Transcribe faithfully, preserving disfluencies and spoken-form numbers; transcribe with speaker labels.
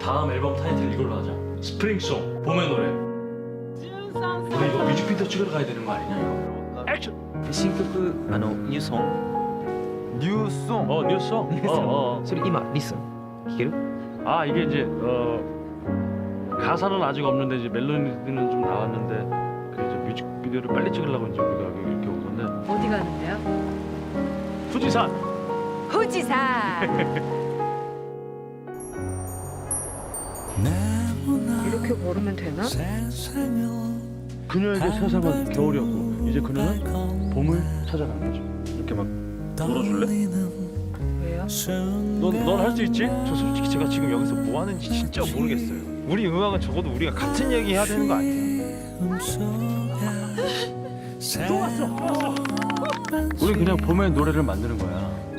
Speaker 1: 다음 앨범 타이틀 이걸로 하자. 스프링송, 봄의 노래. 우리 이거 뮤직비디오 찍으러 가야 되는 거 아니냐 이거? 액션!
Speaker 2: 新曲あのニューソン
Speaker 3: 뉴송.
Speaker 1: 어 뉴송? 어, 어.
Speaker 2: それ今リスン弾ける
Speaker 1: 아 이게 이제 어 가사는 아직 없는데 이제 멜로디는 좀 나왔는데 그 이제 뮤직비디오를 빨리 찍으려고 이제 우리가 여기 이렇게 온 건데
Speaker 4: 어디 가는데요?
Speaker 1: 후지산!
Speaker 4: 후지산. 이렇게 걸으면 되나?
Speaker 1: 그녀에게 세상은 겨울이었고 이제 그녀는 봄을 찾아간 거죠. 이렇게 막 놀아줄래?
Speaker 4: 왜요?
Speaker 1: 넌 할 수 있지?
Speaker 3: 저 솔직히 제가 지금 여기서 뭐 하는지 진짜 모르겠어요. 우리 음악은 적어도 우리가 같은 얘기 해야 되는 거 아니에요?
Speaker 1: 또 왔어! 또 왔어! 우리 그냥 봄의 노래를 만드는 거야.